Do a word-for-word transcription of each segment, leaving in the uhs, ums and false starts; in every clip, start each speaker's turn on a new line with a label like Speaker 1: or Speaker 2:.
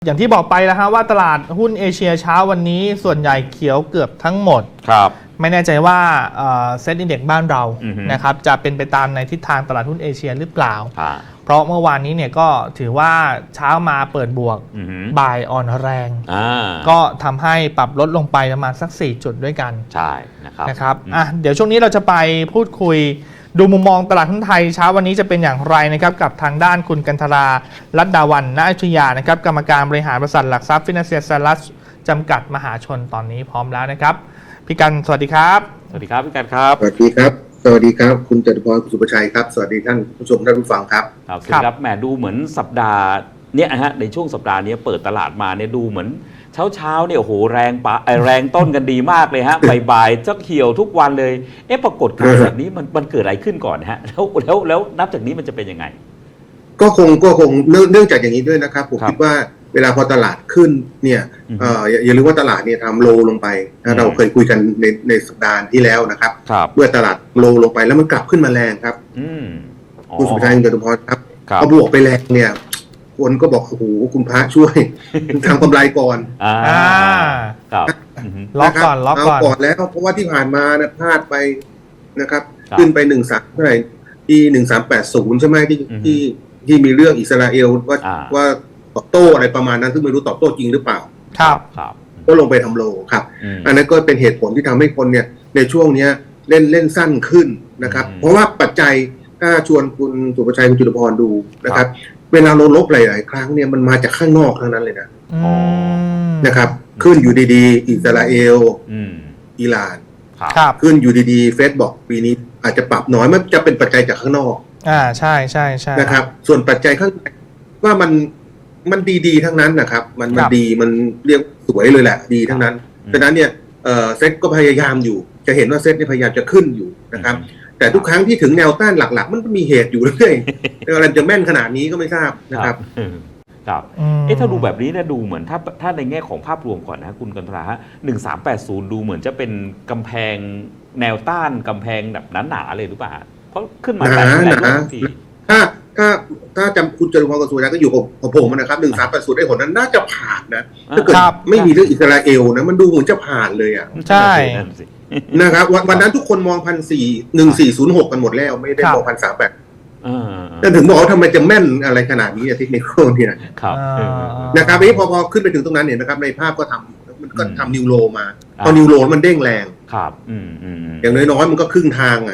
Speaker 1: อย่างที่บอกไปแล้วฮะว่าตลาดหุ้นเอเชียเช้าวันนี้ส่วนใหญ่เขียวเกือบทั้งหมด
Speaker 2: ครับ
Speaker 1: ไม่แน่ใจว่าเซ็ตอินเด็กซ์บ้านเรานะครับจะเป็นไปตามในทิศทางตลาดหุ้นเอเชียหรือเปล่าเพราะเมื่อวานนี้เนี่ยก็ถือว่าเช้ามาเปิดบวกบ่ายอ่อนแรงก็ทำให้ปรับลดลงไปประมาณสักสี่จุดด้วยกัน
Speaker 2: ใช่นะครับ
Speaker 1: นะครับอ่ะเดี๋ยวช่วงนี้เราจะไปพูดคุยดูมุมมองตลาดหุ้นไทยเช้าวันนี้จะเป็นอย่างไรนะครับกับทางด้านคุณกันธราลัดดาวันณอยุธยานะครับกรรมการบริหารบริษัทหลักทรัพย์ฟินแลนเซียสลัสจำกัดมหาชนตอนนี้พร้อมแล้วนะครับพี่กันสวัสดีครับ
Speaker 2: สวัสดีครับพี่กันครับ
Speaker 3: สวัสดีครับสวัสดีครับคุณจตุพรคุณสุภชัยครับสวัสดีท่านผู้ชมท่านผู้ฟังครับ
Speaker 2: ครับสวัสดีครับแหมดูเหมือนสัปดาห์เนี้ยฮะในช่วงสัปดาห์นี้เปิดตลาดมาเนี่ยดูเหมือนเช้าเช้าเนี่ยโอ้โหแรงปะแรงต้นกันดีมากเลยฮะบ่ายๆจะเขียวทุกวันเลยเอ๊ะปรากฏการณ์แบบนี้มันมันเกิดอะไรขึ้นก่อนฮะแล้วแล้วแล้วนับจากนี้มันจะเป็นยังไง
Speaker 3: ก็คงก็คงเนื่องจากอย่างนี้ด้วยนะครับผมคิดว่าเวลาพอตลาดขึ้นเนี่ยอย่าลืมว่าตลาดเนี่ยทำโลลงไปเราเคยคุยกันในในสัปดาห์ที่แล้วนะครับเมื่อตลาดโลลงไปแล้วมันกลับขึ้นมาแรงครับคุณสุภชัยคุณจตุพรครับพอบวกไปแรงเนี่ยคนก็บอกโอ้โหคุณพระช่วยทำกำไรก่อน
Speaker 1: อ่าครับล็อกก่อนล็อกก่อน
Speaker 3: ก่อนแล้วเพราะว่าที่ผ่านมานะพลาดไปนะครับขึ้นไปหนึ่งสามเท่าไหร่ที่หนึ่งสามแปดศูนย์ใช่ไหมที่ที่ที่มีเรื่องอิสราเอลว่าว่าตอบโต้อะไรประมาณนั้นซึ่งไม่รู้ตอบโต้จริงหรือเปล่า
Speaker 1: ครับครับ
Speaker 3: ก็ลงไปทำโลครับอันนั้นก็เป็นเหตุผลที่ทำให้คนเนี่ยในช่วงนี้เล่นเล่นสั้นขึ้นนะครับเพราะว่าปัจจัยถ้าชวนคุณสุภชัยคุณจตุพรดูนะครับเวลาเราลบหลายๆครั้งเนี่ยมันมาจากข้างนอกทั้งนั้นเลยนะนะครับขึ้นอยู่ดีๆอิสราเอลอิหร่านขึ้นอยู่ดีๆเฟดบอกปีนี้อาจจะปรับน้อยมันจะเป็นปัจจัยจากข้างนอก
Speaker 1: อ่าใช่ใช่ใช่
Speaker 3: นะครับส่วนปัจจัยข้างในว่ามันมันดีๆทั้งนั้นนะครับมันมันดีมันเรียกสวยเลยแหละดีทั้งนั้นดังนั้นเนี่ยเซ็ตก็พยายามอยู่จะเห็นว่าเซ็ตนี่พยายามจะขึ้นอยู่นะครับแต่ทุกครั้งที่ถึงแนวต้านหลักๆมันก็มีเหตุอยู่เรื่อยๆอะไรจะแม่นขนาดนี้ก็ไม่ทราบนะครับ
Speaker 2: ครับเอ๊ะถ้าดูแบบนี้เนี่ยดูเหมือนถ้าถ้าในแง่ของภาพรวมก่อนนะคุณกันตราฮะหนึ่งสามแปดศูนย์ดูเหมือนจะเป็นกำแพงแนวต้านกำแพงแบบหนาๆเลยหรือเปล่าเพราะขึ้นมาแบบหลายที
Speaker 3: ถ้าถ้าถ้าจำคุณจตุพรกับสุริยะก็อยู่กับผมนะครับหนึ่งสามแปดศูนย์ได้ผลนั้นน่าจะผ่านนะถ้าเกิดไม่มีเรื่องอิสราเอลนะมันดูเหมือนจะผ่านเลยอ่ะ
Speaker 1: ใช่
Speaker 3: นะครับวันนั้นทุกคนมองพันสี่หนึ่งสี่ศูนย์หกกันหมดแล้วไม่ได้มองพันสามแปดแต่ถึงบอกว่าทำไมจะแม่นอะไรขนาดนี้เทคนิคเนี่ยนะครับนี้พอพอขึ้นไปถึงตรงนั้นเนี่ยนะครับในภาพก็ทำมันก็ทำนิวโรมาพอนิวโรมันเด้งแรง
Speaker 2: ครับ
Speaker 3: อย่างน้อยๆมันก็ครึ่งทางอ่ะ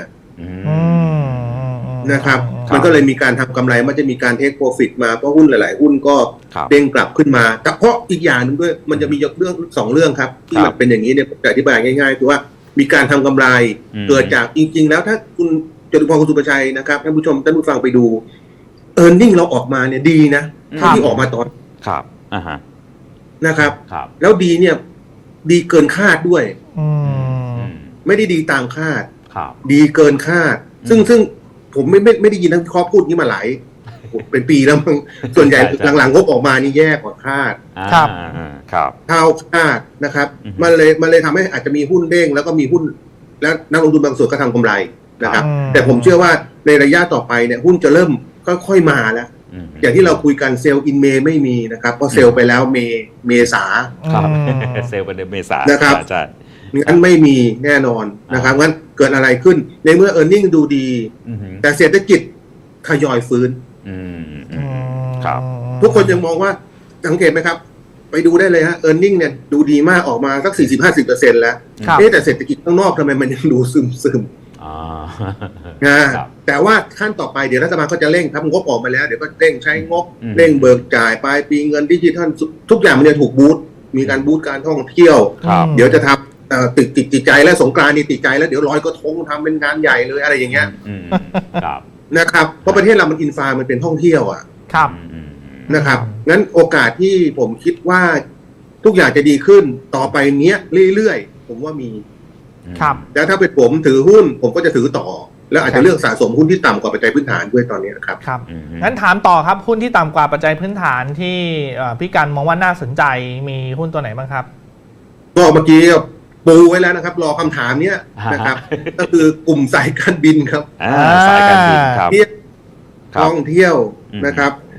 Speaker 3: นะครับมันก็เลยมีการทำกำไรมันจะมีการเทคโปรฟิตมาเพราะหุ้นหลายๆหุ้นก็เด้งกลับขึ้นมาแต่เพราะอีกอย่างนึงด้วยมันจะมีเรื่องสองเรื่องครับที่มันเป็นอย่างนี้เนี่ยจะอธิบายง่ายๆคือว่ามีการทำกำไรเกิดจากจริงๆแล้วถ้าคุณจตุพรคุณสุภชัยนะครับท่านผู้ชมท่านผู้ฟังไปดูเออร์เน็งเราออกมาเนี่ยดีนะที่ออกมาตอน
Speaker 2: ครับอ่าฮะ
Speaker 3: นะครับแล้วดีเนี่ยดีเกินคาดด้วยไม่ได้ดีตามคาดดีเกินคาดซึ่งซึ่งผมไม่ไม่ไม่ได้ยินทั้งข้อพูดนี้มาหลายเป็นปีแล้วมั้งส่วนใหญ่หลังๆงบออกมานี่แย่กว่าคาด
Speaker 1: ครับ
Speaker 2: ครับ
Speaker 3: เท่าคาดนะครับมันเลยมันเลยทำให้อาจจะมีหุ้นเด้งแล้วก็มีหุ้นแล้วนักลงทุนบางส่วนก็ทำกำไรนะครับแต่ผมเชื่อว่าในระยะต่อไปเนี่ยหุ้นจะเริ่มค่อยๆมาแล้วอย่างที่เราคุยกันเซลล์อินเมย์ไม่มีนะครับเพราะเซลล์ไปแล้วเมเมษา
Speaker 2: ครับเซลล์ไปในเมษา
Speaker 3: นะครับงั้นไม่มีแน่นอนนะครับงั้นเกิดอะไรขึ้นในเมื่อ e a r n i n g ดูดีแต่เศรษฐกิจทยอยฟื้น
Speaker 2: ครับ
Speaker 3: ทุกคนยังมองว่าสังเกตไหมครับไปดูได้เลยฮะ e a r n i n g เนี่ยดูดีมากออกมาสัก สี่สิบถึงห้าสิบเปอร์เซ็นต์ แล้วแต่เศรษฐกิจข้างนอกทำไมมันยังดูซึมๆนะแต่ว่าขั้นต่อไปเดี๋ยวรัฐบาลก็จะเร่งทำงบออกมาแล้วเดี๋ยวก็เร่งใช้งบเร่งเบิกจ่ายปลายปีเงินดิจิทัลทุกอย่างมันจะถูกบูสต์มีการบูสต์การท่องเที่ยวเดี๋ยวจะทำติดติดติดใจแล้วสงกรานต์นี่ติดใจแล้วเดี๋ยวลอยกระทงทำเป็นงานใหญ่เลยอะไรอย่างเงี้ยนะครับเพราะประเทศเรามันอินฟามันเป็นท่องเที่ยวอ่ะ
Speaker 1: ครับ
Speaker 3: นะครับงั้นโอกาสที่ผมคิดว่าทุกอย่างจะดีขึ้นต่อไปเนี้ยเรื่อยๆผมว่ามี
Speaker 1: ครับ
Speaker 3: แล้วถ้าเป็นผมถือหุ้นผมก็จะถือต่อแล้วอาจจะเลือกสะสมหุ้นที่ต่ำกว่าปัจจัยพื้นฐานด้วยตอนนี้ครับ
Speaker 1: ครับงั้นถามต่อครับหุ้นที่ต่ำกว่าปัจจัยพื้นฐานที่พี่กันมองว่าน่าสนใจมีหุ้นตัวไหนบ้างครับ
Speaker 3: ก็เมื่อกี้ปูไว้แล้วนะครับรอคำถามเนี้ยนะครับก็คือกลุ่มสายการบินครับ
Speaker 2: สายการบินครับ
Speaker 3: ท่องเที่ยวนะครับ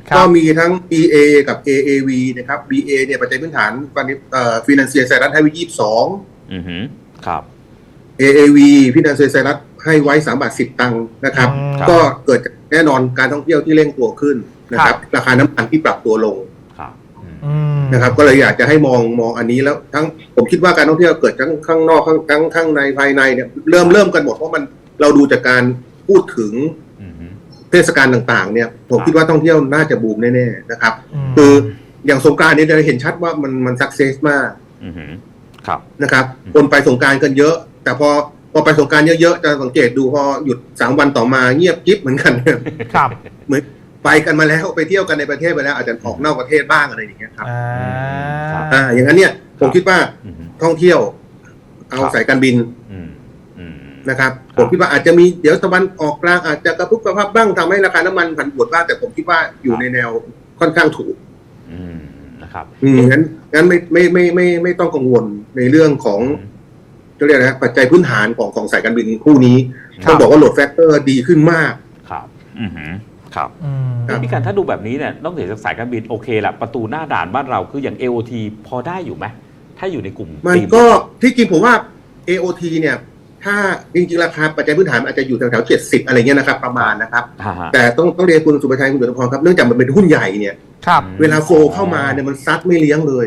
Speaker 3: ก็มีทั้ง บี เอ กับ เอ เอ วี นะครับ บี เอ เนี่ยปัจจัยพื้นฐานเอ่อ Financial Services ให้ไว้ยี่สิบสอง
Speaker 2: อือฮึครับ
Speaker 3: เอ เอ วี Financial Services ให้ไว้สามบาทสิบตังค์นะครับ ก็เกิดแน่นอนการท่องเที่ยวที่เร่งตัวขึ้นนะครับราคาน้ำมันที่ปรับตัวลงนะครับก็เลยอยากจะให้มองมองอันนี้แล้วทั้งผมคิดว่าการท่องเที่ยวเกิดทั้งข้างนอกทั้งทั้งข้างในภายในเนี่ยเริ่มเริ่มกันหมดเพราะมันเราดูจากการพูดถึงเทศกาลต่างๆเนี่ยผมคิดว่าท่องเที่ยวน่าจะบูมแน่ๆนะครับคืออย่างสงกรานต์เนี่ยเราเห็นชัดว่ามันมันสักเซสมากนะครับคนไปสงกรานต์กันเยอะแต่พอพอไปสงกรานต์เยอะๆจะสังเกตดูพอหยุดสามวันต่อมาเงียบกิ๊บเหมือนกัน
Speaker 1: ครับ
Speaker 3: เหมือนไปกันมาแล้วไปเที่ยวกันในประเทศไปแล้วอาจจะออกนอกประเทศบ้างอะไรอย่างเงี้ยครับอ่าอย่างนั้นเนี่ยผมคิดว่าท่องเที่ยวเอาสายการบินนะครับผมคิดว่าอาจจะมีเดี๋ยวตะวันออกกลางอาจจะกระพุ้งกระพับบ้างทำให้ราคาน้ำมันผันผวนบ้างแต่ผมคิดว่าอยู่ในแนวค่อนข้างถูก
Speaker 2: นะครับ
Speaker 3: อืมงั้นงั้นไม่ไม่ไม่ไม่ไม่ต้องกังวลในเรื่องของจะเรียกนะปัจจัยพื้นฐานของของสายการบินคู่นี้ต้องบอกว่าโหลดแฟกเตอร์ดีขึ้นมาก
Speaker 2: ครับอือครับพี่การถ้าดูแบบนี้เนี่ยนอกเหนือจากสายการบินโอเคละประตูหน้าด่านบ้านเราคืออย่าง เอ โอ ที พอได้อยู่ไหมถ้าอยู่ในกลุ่ม
Speaker 3: มันก็ที่จริงผมว่า เอ โอ ที เนี่ยถ้าจริงๆราคาปัจจัยพื้นฐานอาจจะอยู่แถวๆเจ็ดสิบอะไรเงี้ยนะครับประมาณนะครับแต่ต้องต้องเรียนคุณสุภชัยคุณจตุพรครับเนื่องจากมันเป็นหุ้นใหญ่เนี่ยเวลาโฟเข้ามาเนี่ยมันซัดไม่เลี้ยงเลย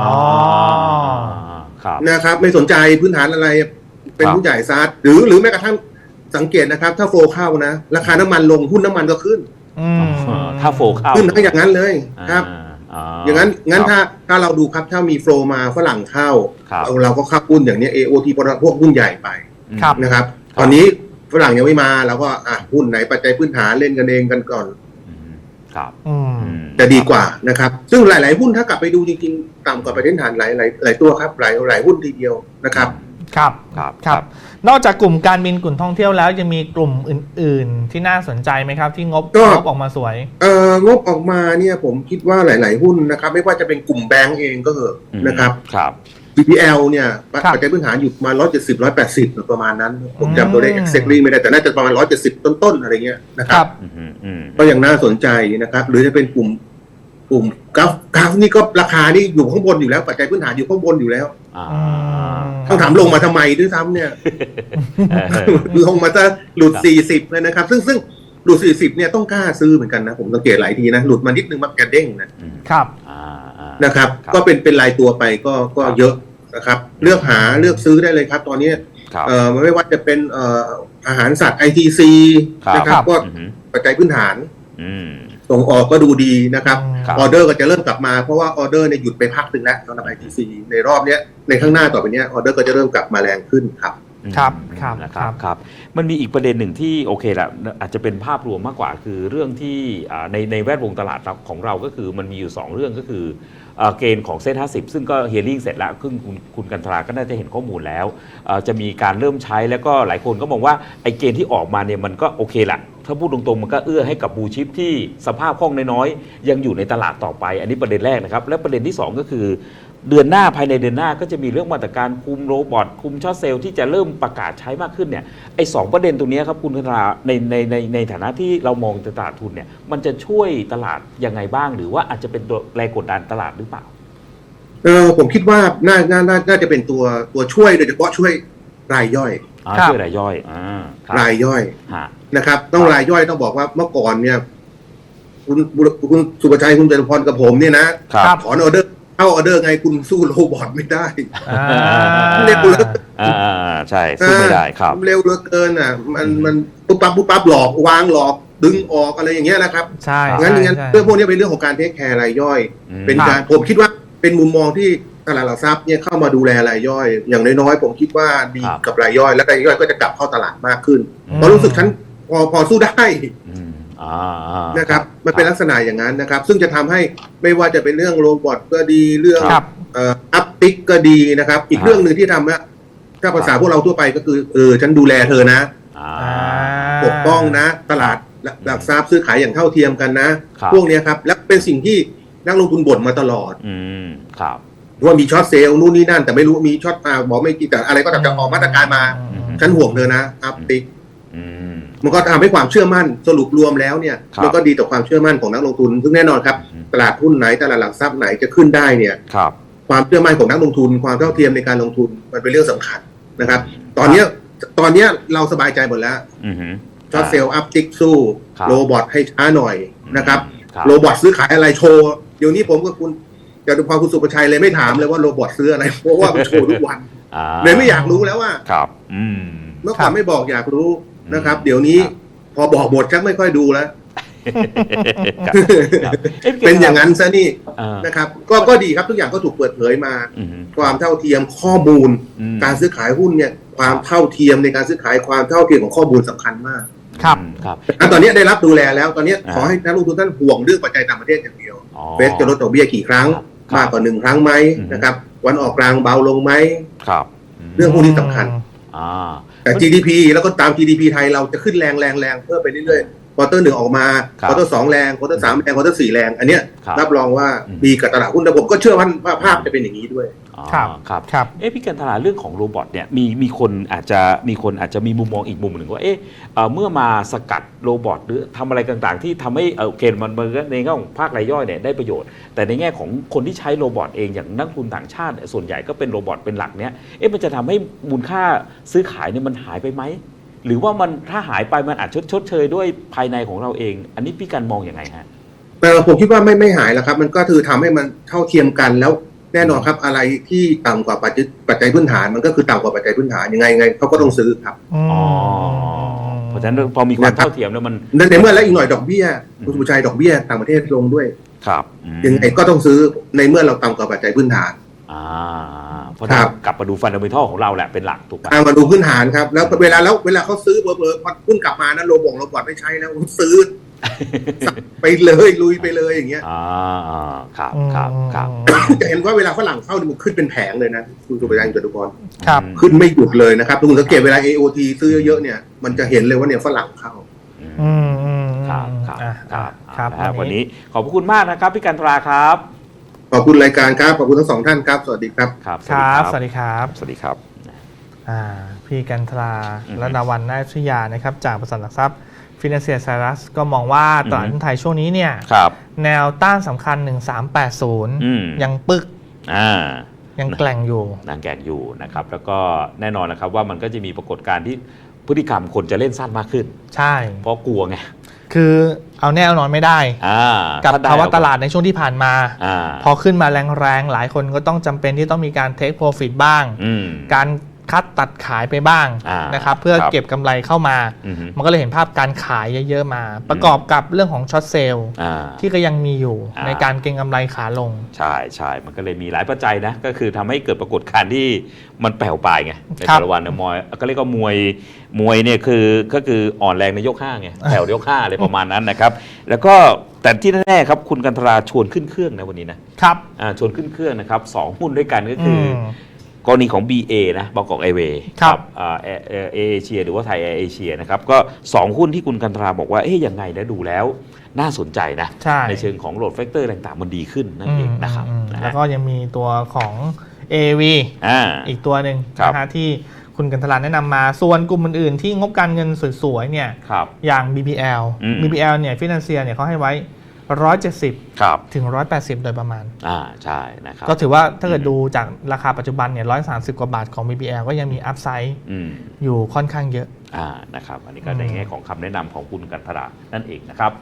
Speaker 3: นะครับไม่สนใจพื้นฐานอะไรเป็นหุ้นใหญ่ซัดหรือหรือแม้กระทั่งสังเกตนะครับถ้าโฟเข้านะราคาน้ำมันลงหุ้นน้ำมันก็ขึ้น
Speaker 2: ถ้าโฟเข้า
Speaker 3: ขึ้นทั้งอย่างนั้นเลยครับอย่างนั้นงั้นถ้าถ้าเราดูครับถ้ามีโฟมาฝรั่งเข้าเราก็เข้าหุ้นอย่างนี้ เอ โอ ที พวกหุ้นใหญ่ไปนะครับตอนนี้ฝรั่งยังไม่มาเราก็อ่ะหุ้นไหนปัจจัยพื้นฐานเล่นกันเองกันก่อน
Speaker 2: ครับ
Speaker 3: จะดีกว่านะครับซึ่งหลายๆหุ้นถ้ากลับไปดูจริงๆต่ำกว่าปัจจัยพื้นฐานหลายหลายหลายตัวครับหลายหลายหุ้นทีเดียวนะครับ
Speaker 1: ครับครับครับนอกจากกลุ่มการบินกลุ่มท่องเที่ยวแล้วยังมีกลุ่มอื่นๆที่น่าสนใจไหมครับที่งบงบออกมาสวย
Speaker 3: เอ่องบออกมาเนี่ยผมคิดว่าหลายๆหุ้นนะครับไม่ว่าจะเป็นกลุ่มแบงก์เองก็เถอะนะครับ
Speaker 2: ครับ
Speaker 3: บี พี แอล เนี่ยปัจจัยพื้นฐานอยู่มาหนึ่งร้อยเจ็ดสิบ หนึ่งร้อยแปดสิบประมาณนั้นผมจำตัวเลข exactly ไม่ได้แต่น่าจะประมาณหนึ่งร้อยเจ็ดสิบต้นๆอะไรเงี้ยนะครับก็ยังน่าสนใจนะครับหรือจะเป็นกลุ่มกลุ่มกราฟกราฟนี่ก็ราคานี่อยู่ข้างบนอยู่แล้วปัจจัยพื้นฐานอยู่ข้างบนอยู่แล้วต้องถามลงมาทำไมด้วยซ้ำเนี่ยลงมาจะหลุดสี่สิบเลยนะครับซึ่งซึ่งหลุดสี่สิบเนี่ยต้องกล้าซื้อเหมือนกันนะผมสังเกตหลายทีนะหลุดมานิดนึงมันกระเด้งนะครับนะครับก็เป็นเป็นรายตัวไปก็ก็เยอะนะครับเลือกหาเลือกซื้อได้เลยครับตอนนี้เอ่อไม่ว่าจะเป็นเอ่ออาหารสัตว์ ไอ ที ซี นะครับก็ปัจจัยพื้นฐานส่งออกก็ดูดีนะครับออเดอร์ก็จะเริ่มกลับมาเพราะว่าออเดอร์เนี่ยหยุดไปพักนึงแล้วสำหรับ ไอ ที ซี ในรอบเนี้ยในข้างหน้าต่อไปเนี้ยออเดอร์ก็จะเริ่มกลับมาแรงขึ้นครับ
Speaker 1: ครับครับ
Speaker 2: นะครับครับมันมีอีกประเด็นหนึ่งที่โอเคแหละอาจจะเป็นภาพรวมมากกว่าคือเรื่องที่ในในแวดวงตลาดของเราก็คือมันมีอยู่สองเรื่องก็คือเกณฑ์ของเซ็ตห้าสิบซึ่งก็เฮียริ่งเสร็จแล้วซึ่งคุณคุณกันตราก็น่าจะเห็นข้อมูลแล้วจะมีการเริ่มใช้แล้วก็หลายคนก็มองว่าไอ้เกณฑ์ที่ออกมาเนี่ยมันก็โอเคละถ้าพูดตรงๆมันก็เอื้อให้กับบูชิปที่สภาพคล่องน้อยๆยังอยู่ในตลาดต่อไปอันนี้ประเด็นแรกนะครับและประเด็นที่สองก็คือเดือนหน้าภายในเดือนหน้าก็จะมีเรื่องมาตรการคุมโรบอทคุมช็อตเซลล์ที่จะเริ่มประกาศใช้มากขึ้นเนี่ยไอ้สองประเด็นตรงนี้ครับคุณกันตราในในในในฐานะที่เรามองตลาดทุนเนี่ยมันจะช่วยตลาดยังไงบ้างหรือว่าอาจจะเป็นตัวแรงกดดันตลาดหรือเปล่า
Speaker 3: เออผมคิดว่าน่าน่าน่าจะเป็นตัวตัวช่วยโดยเฉพาะช่วยรายย่อย
Speaker 2: ช่วยรายย่อย
Speaker 3: รายย่อยนะครับต้องรายย่อยต้องบอกว่าเมื่อก่อนเนี่ยคุณคุณสุภชัยคุณจตุพรกับผมเนี่ยนะถอนออเดอร์เข้าออเดอร์ไงคุณสู้โรบอทไม่ได้
Speaker 2: เร็วเหลือใช่สู้ไม่ได้ครับ
Speaker 3: เร็วเหลือเกินอ่ะมันมันปุ๊บปั๊บปุ๊บปั๊บหลอกวางหลอกดึงออกอะไรอย่างเงี้ยนะครับ
Speaker 1: ใช่
Speaker 3: งั้นงั้นเรื่องพวกนี้เป็นเรื่องของการเทคแคร์รายย่อยเป็นการผมคิดว่าเป็นมุมมองที่ตลาดหลักทรัพย์เนี่ยเข้ามาดูแลรายย่อยอย่างน้อยๆผมคิดว่าดีกับรายย่อยแล้วรายย่อยก็จะกลับเข้าตลาดมากขึ้นเพราะรู้สึกฉันพอพอสู้ได้นะครับมันเป็นลักษณะอย่างนั้นนะครับซึ่งจะทำให้ไม่ว่าจะเป็นเรื่องโรบอทก็ดีเรื่องอัพติกก็ดีนะครับอีกเรื่องหนึ่งที่ทำนะถ้าภาษาพวกเราทั่วไปก็คือเออฉันดูแลเธอนะปกป้องนะตลาดหลักทรัพย์ซื้อขายอย่างเท่าเทียมกันนะพวกนี้ครับและเป็นสิ่งที่นักลงทุนบ่นมาตลอดว่ามีช็อตเซลล์นู่นนี่นั่นแต่ไม่รู้มีช็อตมาบอกไม่กี่แต่อะไรก็ตามจะออกมาตรการมาฉันห่วงเธอนะอัพติกมันก็ทำให้ความเชื่อมั่นสรุปรวมแล้วเนี่ยมันก็ดีต่อความเชื่อมั่นของนักลงทุนซึ่งแน่นอนครับตลาดหุ้นไหนตลาดหลักทรัพย์ไหนจะขึ้นได้เนี่ยความเชื่อมั่นของนักลงทุนความเท่าเทียมในการลงทุนมันเป็นเรื่องสำคัญนะครับตอนนี้ตอนนี้เราสบายใจหมดแล้วช็อตเซลล์อัพติกสู้โรบอทให้ช้าหน่อยนะครับโรบอทซื้อขายอะไรโชว์เดี๋ยวนี้ผมกับคุณจตุพรคุณสุประชัยเลยไม่ถามเลยว่าโรบอทซื้ออะไรเพราะว่ามันโชว์ทุกวันเลยไม่อยากรู้แล้วว่าเมื่อก่อนไม่บอกอยากรู้นะครับเดี๋ยวนี้พอบอกหมดชักไม่ค่อยดูแล้วเป็นอย่างนั้นซะนี่นะครับก็ก็ดีครับทุกอย่างก็ถูกเปิดเผยมาความเท่าเทียมข้อมูลการซื้อขายหุ้นเนี่ยความเท่าเทียมในการซื้อขายความเท่าเทียมของข้อมูลสำคัญมาก
Speaker 1: ครับ
Speaker 2: ครับ
Speaker 3: ตอนนี้ได้รับดูแลแล้วตอนนี้ขอให้นักลงทุนท่านห่วงเรื่องปัจจัยต่างประเทศอย่างเดียวเฟดจะลดดอกเบี้ยกี่ครั้งมากกว่าหนึ่งครั้งไหมนะครับวันออกกลางเบาลงไหม
Speaker 2: ครับ
Speaker 3: เรื่องพวกนี้สำคัญแต่ จี ดี พี แล้วก็ตาม จี ดี พี ไทยเราจะขึ้นแรงแรงแรงเพิ่มไปเรื่อยๆควอเตอร์หนึ่งออกมาควอเตอร์สองแรงควอเตอร์สามแรงควอเตอร์สี่แรงอันเนี้ยรับรองว่าดีกับตลาดหุ้นแต่ผมก็เชื่อว่าภาพจะเป็นอย่างนี้ด้วย
Speaker 2: ครับครับครับเอ๊ะพี่กันตลาดเรื่องของโรบอทเนี่ยมีมีคนอาจจะมีคนอาจจะมีมุมมองอีกมุมหนึ่งว่าเอ๊ะเมื่อมาสกัดโรบอทหรือทำอะไรต่างๆที่ทำให้โอเคมันในแง่ของภาครายย่อยเนี่ยได้ประโยชน์แต่ในแง่ของคนที่ใช้โรบอทเองอย่างนักทุนต่างชาติส่วนใหญ่ก็เป็นโรบอทเป็นหลักเนี่ยเอ๊ะมันจะทำให้มูลค่าซื้อขายเนี่ยมันหายไปไหมหรือว่ามันถ้าหายไปมันอาจชดชดเชยด้วยภายในของเราเองอันนี้พี่กันมองอย่างไรฮะ
Speaker 3: แต่ผมคิดว่าไม่ไม่หายแล้วครับมันก็คือทำให้มันเท่าเทียมกันแล้วแน่นอนครับอะไรที่ต่ำกว่าปัจจัยปัจจัยพื้นฐานมันก็คือต่ำกว่าปัจจัยพื้นฐานยังไงไงเขาก็ต้องซื้อครับ
Speaker 2: อ๋อเพราะฉะนั้นพอมีความเท่าเทียมแล้วมัน
Speaker 3: ในเมื่อแล้วอีกหน่อยดอกเบี้ยคุณสุชัยดอกเบี้ยต่างประเทศลงด้วย
Speaker 2: ครับ
Speaker 3: ยังไงก็ต้องซื้อในเมื่อเราต่ำกว่าปัจจัยพื้นฐาน
Speaker 2: อ่าเพราะนั้นกลับมาดูฟันดัมเมนทัลของเราแหละเป็นหลักถูกไหม
Speaker 3: มาดูพื้นฐานครับแล้วเวลาแล้วเวลาเขาซื้อเบอร์เบอร์พอหุ้นกลับมานะโรบงโรบอทไม่ใช้แล้วซื้อไปเลยลุยไปเลยอย่างเงี้ย
Speaker 2: อ่าครับครับครับ
Speaker 3: จะเห็นว่าเวลาฝรั่งเข้ามันขึ้นเป็นแผงเลยนะคุณสุภชัยจตุพร
Speaker 1: ครับ
Speaker 3: ขึ้นไม่หยุดเลยนะครับทุกคนสังเกตเวลา เอ โอ ที ซื้อเยอะเนี่ยมันจะเห็นเลยว่าเนี่ยฝรั่งเข้า
Speaker 1: อืม
Speaker 2: ครับครับครับครับวันนี้ขอบคุณมากนะครับพี่กันตราครับ
Speaker 3: ขอบคุณรายการครับขอบคุณทั้งสองท่านครับสวัสดีครับ
Speaker 2: ครับ
Speaker 1: ครับสวัสดีครับ
Speaker 2: สวัสดีครับ
Speaker 1: อ่าพี่กันตราและดาวันนาชยานะครับจากบริษัทหลักทรัพย์ฟินแลนเซียไซรัสก็มองว่าตลาดหุ้นไทยช่วงนี้เนี่ยแนวต้านสำคัญหนึ่งสามแปดศูนย์ยังปึกยังแกล่งอยู่
Speaker 2: ยังแกล่งอยู่นะครับแล้วก็แน่นอนนะครับว่ามันก็จะมีปรากฏการณ์ที่พฤติกรรมคนจะเล่นสั้นมากขึ้น
Speaker 1: ใช่
Speaker 2: เพราะกลัวไง
Speaker 1: คือเอาแน่เอานอนไม่ได้กับภาวะตลาดในช่วงที่ผ่านมาพอขึ้นมาแรงๆหลายคนก็ต้องจำเป็นที่ต้องมีการเทคโปรฟิตบ้างการคัดตัดขายไปบ้างนะครับเพื่อเก็บกำไรเข้ามามันก็เลยเห็นภาพการขายเยอะๆมาประกอบกับเรื่องของช็อตเซลล์ที่ก็ยังมีอยู่ในการเก็งกำไรขาลง
Speaker 2: ใช่ใช่มันก็เลยมีหลายปัจจัยนะก็คือทำให้เกิดปรากฏการณ์ที่มันแผ่วปลายไงในแต่ละวันมวยก็เรียกว่ามวยมวยเนี่ยคือก็คืออ่อนแรงในยกห้าไงแผ่วยกห้าอะไรประมาณนั้นนะครับแล้วก็แต่ที่แน่ๆครับคุณกันตราชวนขึ้นเครื่องนะวันนี้นะครับชวนขึ้นเครื่องนะครับสองหุ้นด้วยกันก็คือกรณีของ บี เอ นะบางกอกแอร์เวย์กับเอเอเชียหรือว่าไทยแอร์เอเชียนะครับก็สองหุ้นที่คุณกันตราบอกว่าเอ๊ยยังไงนะดูแล้วน่าสนใจนะ
Speaker 1: ใ,
Speaker 2: ในเชิงของโหลดแฟกเตอร์ต่างๆมันดีขึ้นนั่นเองนะครับ
Speaker 1: แล้วก็ยังมีตัวของ เอ วี
Speaker 2: อ่า
Speaker 1: อีกตัวหนึ่งนะฮะที่คุณกันตราแนะนำมาส่วนกลุ่มอื่นๆที่งบการเงินสวยๆเนี่ยอย่าง บี พี แอล บี พี แอล เนี่ยฟินแลนเซียเนี่ยเขาให้ไว้หนึ่งร้อยเจ็ดสิบถึงหนึ่งร้อยแปดสิบโดยประมาณ
Speaker 2: อ่าใช่นะครับ
Speaker 1: ก็ถือว่าถ้าเกิดดูจากราคาปัจจุบันเนี่ยหนึ่งร้อยสามสิบกว่าบาทของ บี พี แอล ก็ยังมีอัพไซด์อยู่ค่อนข้างเยอะ
Speaker 2: อ่านะครับอันนี้ก็ในแง่ของคำแนะนำของคุณกันตรานั่นเองนะครับ